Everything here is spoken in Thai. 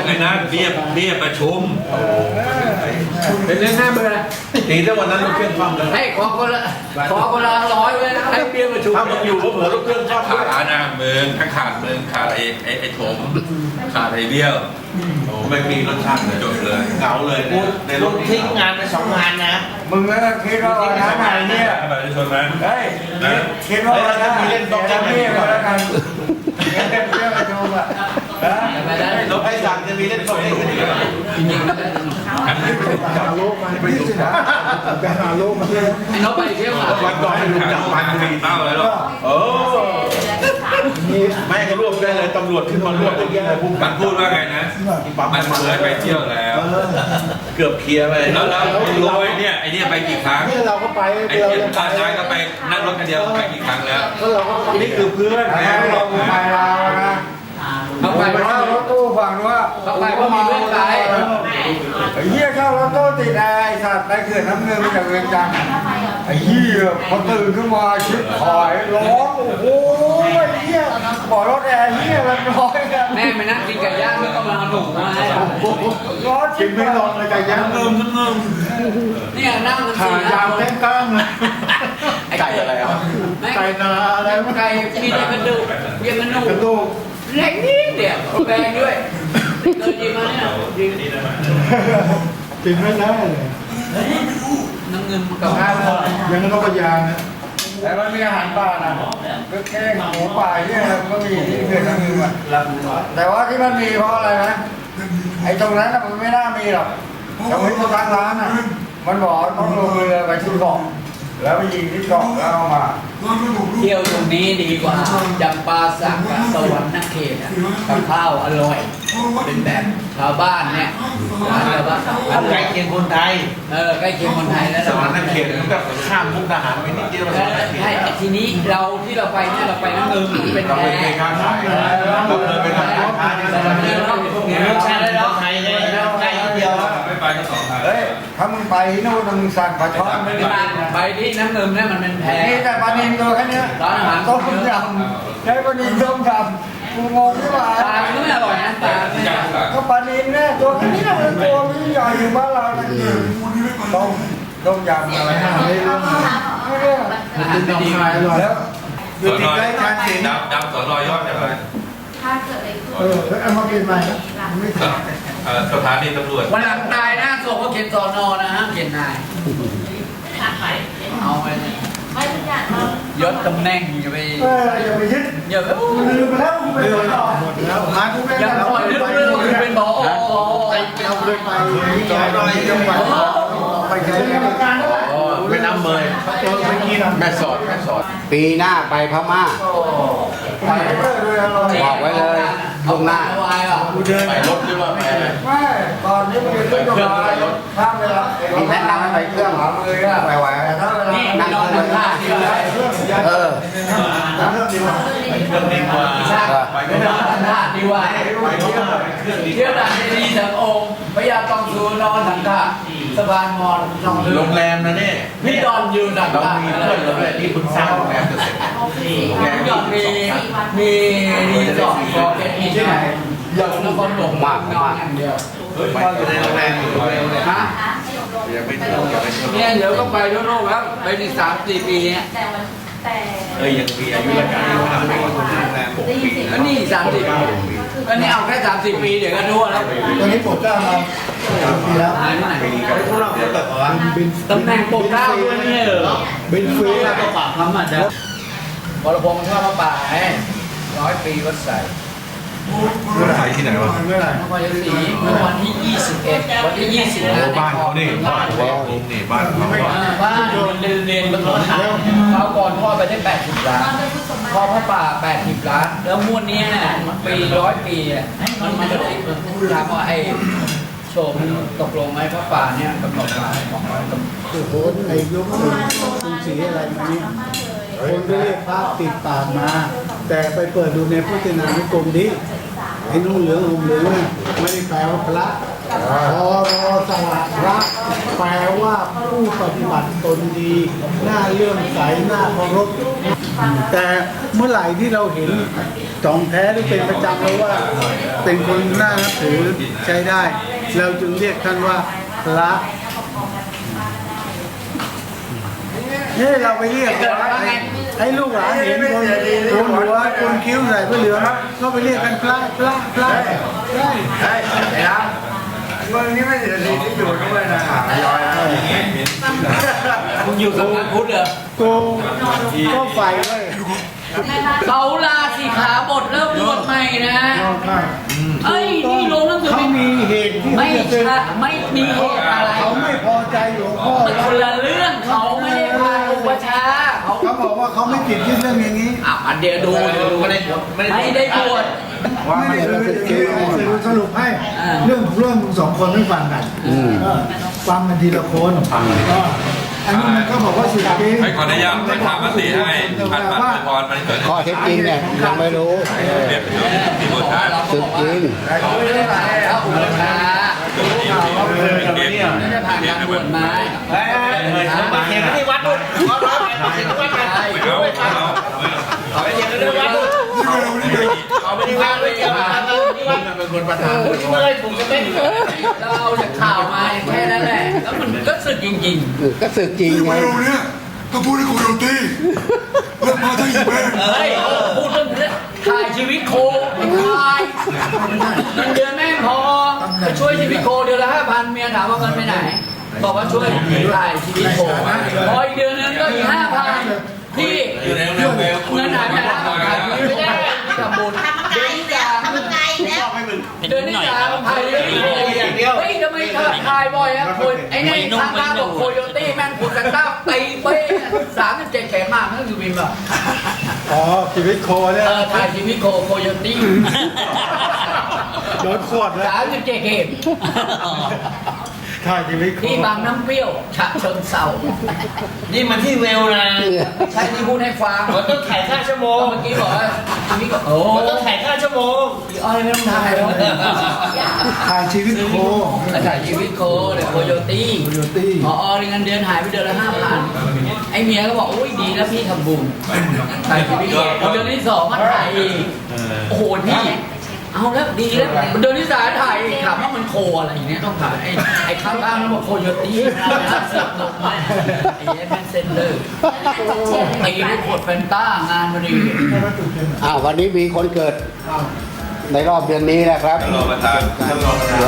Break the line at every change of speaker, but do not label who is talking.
ไอ้นั้นเรียบประชุม
เป็นเรื่อง5 เบอร์นะ
ตีถ้าวันนั้นลูกเครื่องคว่ำเลย
ให้ขอคนละ100เลยนะให้เบี้ยประชุม
ถ้ามึงอยู่ก็เผื่อลูกเครื่องคว่ำด้วย
ขาดนะมึงถ้าขาดมึงขาดไอ้ถมขาดไอ้เบี้ยว
โอ้ไม่มีรสชาติเลย
จบเลย
เหงาเลยในรถ
ทิ้งงานไป2 งานนะ
มึงก็คิดว่าวันนั้นไหนเนี่ย
แบบชนนั้น
เฮ้ยคิดว่าวันนั้นมีเล่นตกจะมีแล้วกันเล่นเรื่องประชุมอ่ะ
รถไอ้สั่งจะมีเล่นตกเล่นกันอีก
จริงๆ
หาโลกมาไม่ใช่นะไปหาโลกมาเลย
ไอ้น้องไปเที่ยว
วันก่อนให้ลุงจับมันมี
เต้าเลยหรอ
แม่ก็รวบได้เลยตำรวจขึ้นมารวบตรงนี้เลย
มันพูดว่าไงนะมันเคยไปเที่ยวแล้ว
เกือบเคลียร์ไป
แล้วรู้ไอ้เนี่ยไปกี่ครั้ง
นี่เราก็ไป
ไอ้เนี่ยตอนนายก็ไปนั่งรถกันเดียวไปกี่ครั้งแล้ว
เราก็นี่คือเพื่อนเราไปเรานะ
เขาไป
เพราะรถตู้ฝั่งว่า
เขาไปเพราะมีเพื่อนไป
ไอ้เหี้ยเข้ารถตู้ติดไอ้สัตว์ไปเขื่อนน้ำเงินมาจากเรือนจำไอ้เหี้ยพอตื่นขึ้นมาชิบหายร้องโอ้ยเหี้ยบอกรถแอร์เหี้ยมันร้อยกัน
แม่ไปนั่งกินไก่ย่างแล้วก็มาหนุ่มมาให้
ร้อนกินไม่ลงเลยไก่ย่างเงิม
นี่นั่งกัน
ขายาวแก้งก้างเลย
ไก่อะไรอ่ะ
ไก่นาอะไร
ไก่มีแต่กระดูกเรียกกระดูกเล็กนิดเดียวแพงด้วยเกินจริงไหมเนี่ย
กินไม่ได้เลย
น้ำเงินกับข้าว
ยังต้องพยายามนะแต่มันมีอาหารป่านะก็แค่หมูป่าเนี่ยก็มีที่เกิดน้ำเงินอ่ะแต่ว่าที่มันมีเพราะอะไรนะไอ้ตรงนั้นมันไม่น่ามีหรอกแต่ว่าที่ทางร้านอ่ะมันบอกต้องลงเรือไปที่เกาะแล้วไปยิงที่เกาะแล้วเอามา
เที่ยวตรงนี้ดีกว่าจำปาสักกับสวรรค์นเขตกับข้าวอร่อยเป็นแบบชาวบ้านเนี่ยร้านชาวบ้าน
ใกล้เคียงคนไทย
ใกล้เคียงคนไทยแล้ว
สวรรค์นั่นเขตมันก็ข้ามมุกดาหารไปนิดเดียว
ใช่ทีนี้เราที่เราไปเนี่ยเราไปน้ำเงินเป็นแพร่
การค้าเราเคยไปทำการค้าที่สวรรค์นี่
รสชาติแล้วไทยเลยใกล้นิดเดียว
ไม่ไปก็2 ครั้ง
เฮ้ยถ้ามึงไปโน่นมึงสั่งปลาช่อนไม่ได้
ไปที่น้ำเงินเนี่ยมันเป็นแพร่
นี่แต่ปลานิลตัวแค่นี้
ร้านอาหาร
ต้มยำใช้ปลานิลต้มยำกูงงที่ว่า
ปลาไม่อร่อยนะปลา
ก็ปลานิลเนี่ยตัวแค่นี้มันตัวมันใหญ่อยู่บ้านเราเนี่ยต้มยำอะไรนะไม่รู้ไม่รู้
มันดีมาก
แล้วอยู่ติดใกล้กันเอง
ดำสอนอยอดอะไร
ถ้าเกิดอะไรขึ้นเอามาเปลี่ยนใหม่ไม่ใช่
สถานีตำรวจ
วันหลังนายนะส่งเขาเขียนสอนอนะฮะเขียนนายเอาไปยศตำแหน่งอย่าไป
อย่าไปยึด
อย่าไป
ลืมไปแล้วหมดแล้วหากูไม่ได้
แล้วเป็นหมอ
ไปเอาเลยไปจอยจังหวัดไปไกล
ไม่น้ำเมยแม่สอด
ปีหน้าไปพม่าบอกไว้เลยตรงหน้า
ไปรถหรือว่าไป
ไม่ตอนนี้มันขึ้นเครื่องข้ามเวลา
แนะนำไปเครื่องหามือไปไหว
ถ้าเวลา
นั่งเครื่องท่า
เครื่องดีกว่า
เครื่องดีกว่า
ไปเครื่องท่าดีกว่าเที่ยวด่านดีสังองค์พญาตองสูนอนสังฆะสะพานมอญ
โรงแรมนะเนี่ย
พี่ดอนยืนดักเรา
มีเพื่อนเราด้วยที่คุณสร้างโรงแรมจะเสร็จ
พี่ดอนมีรีสอร์ทขอเก็ตอีที่ไหนอย่างนครหลวงมากนอนอย่างเดียว
ไปในโรงแรมอยู่
ฮะเนี่ยเดี๋ยวก็ไปทั่วโลกแล้วไปใน3-4 ปีเนี่ย
ยังมีอายุราชการที่ทำในโรงแรม6 ปี
แล้วนี่30 ปีก็นี่เอาแค่30 ปีเดี๋ยวก็ทั่วแล้ว
ตอนนี้ปวดกล้ามมา3 ปีแล้ว
ปีกับพวกเราเกิดว่า
ตำแหน่งปกเกล้าด้วยนี่เหรอ
เป็นฟรี
แล้วก็ปากคำอ่ะเดี๋ยววรพงษ์ชอบมาป่าให้100 ปีวัดใส่
เมื่อไหร่ที่ไหนวะ
เมื่อไหร่
นครชัยศรีเมื่อวันที่21วันที่20
บ้านเขานี่บ้านเขานี่บ้านเขา
บ้านเรียนบนรถเขาก่อนพ่อไปได้80 ล้านพ่อพระป่า80 ล้านแล้วม้วนนี้ปี100 ปีมันจะได้ถามว่าไอ้โชว์ตกลงไหมพระป่าเนี่ยกำหนดมา
โอ้โหไอ้ยกสูงสีอะไรมาเนี่ยคนก็เรียกพระติดปากมาแต่ไปเปิดดูในพจนานุกรมดิไอ้นุ่งเหลืองห่มเหลืองเนี่ยไม่ได้แปลว่าพระพอสวัสดิ์พระแปลว่าผู้ปฏิบัติตนดีหน้าเลื่อมใสหน้าเคารพแต่เมื่อไหร่ที่เราเห็นจองแท้หรือเป็นประจำแล้วว่า เป็นคนน่านับถือใช้ได้ เราจึงเรียกท่านว่าพระนี่เราไปเรียกให้ลูกหลานเห็นคนโกนหัวโกนคิ้วใส่ผ้าเหลืองก็ไปเรียกกันพระใช่
ใช่แล้วมึงนี่ไม่เสียดีที่อยู่ด้วยนะย้อยนะ
คุณอยู่กับพระพุทธเหรอ
โกงก็ไฟไว้
เขาลาสิขาบทเริ่มบวชใหม่นะเอ้ยนี่ลงหนังสือ
เขา
พิมพ์
มีเหตุที่
ไม่
จะเป็น
ใช่ไม่มีเหตุอะไร
เขาไม่พอใจหลวงพ่อ
มันคนละเรื่องเขาไม่ได้พาอุปชฌาย์เขา
เขาบอกว่าเขาไม่ติดที่เรื่องอย่างนี้
อันเดียวดูไม่ได้บวช
ไม่ได้สรุปให้เรื่องมึงสองคนไม่ฟังกันฟังกันทีละคนอันนี้มันก็บอกว่าสุดจริง
ให้ขออนุญาตให้ถามมติให้พันพันพรมันเกิด
ข้อเท็จจริงเนี่ยยังไม่รู้
เรียบร้อยที่บททาน
สึกจริง
เขาไม่ได้พาพระอุปชฌาย์
เรียบ
ไม่ได้ผ่านการบวชมา
มาเห็นที่วัดนู่นเขารับมาเห็นที่วัดกัน
ไม่เอาไม่เอา
เขาไปเห็นที่วัดนู่นเขาไม่ได้ว่าไม่เกี่ยวกับที่วัดเป็นคนประธานเมื่อไรผมจะไม่
เราเอาจากข่าวมาแค่นั้นแหละแล้วมันก็สึกจริง
ก็สึกจริงไง
ไม่รู้เนี่ยต้องพูดให้โคโยตี้เรื่องมาทั้งอีเวน
ๆเฮ้ยพูดเรื่องถ่ายชีวิตโคถ่ายเงินเดือนแม่งพอไปช่วยชีวิตโคเดือนละ5,000เมียถามว่าเงินไปไหนบอกว่าช่วยถ่ายชีวิตโคพออีกเดือนนึงก็อีก5,000พี่
อยู่ในโรงแรม
เงินหายไปแล้วไม่ได้ทำบุญเดือนที่สามถ่ายเรื่องโคอย่างเดียวเฮ้ยทำไมถ่ายบ่อยอะคนไอ้นี่ทางบ้านบอกโคโยตี้แม่งขุดกันต้าตีเป้37 เข็มมากนั่นคือวินแบบ
อ๋อชีวิตโคเนี่ย
ถ่ายชีวิตโคโยตี้
โดนขวดแล้ว
37 เข็ม
ถ่ายชีวิตโค
ที่บางน้ำเปรี้ยวฉะเชิงเซา
นี่มันที่เวลนะ
ใช่ที่พูดให้ฟัง
มันต้องถ่ายค่าชั่วโมง
เมื่อกี้บอกว่าชีวิตก็โอ้
มันต้องถ่ายค่าชั่วโมง
พี่อ้อยไม่ต้องถ่ายแล้ว
ถ่ายชีวิตโค
ถ่ายชีวิตโคเดี๋ยวโคโยตี้
โคโยตี้
พอเงินเดือนหายไปเดือนละ5,000ไอ้เมียก็บอกโอ้ยดีแล้วพี่ทำบุญถ่ายชีวิตโคเดือนที่2มาถ่ายอีกโอ้โหพี่เอาแล้วดีแล้วเดือนที่3ถ่ายอีกถามว่ามันโคอะไรอย่างเงี้ยต้องถ่ายไอ้ข้างล่างแล้วบอกโคโยตี้เสียบลงมาไอ้แมนเซนเดอร์ตีด้วยขวดแฟนต้างานมาดี
วันนี้มีคนเกิดในรอบเดือนนี้นะครับ
รอประธาน
หล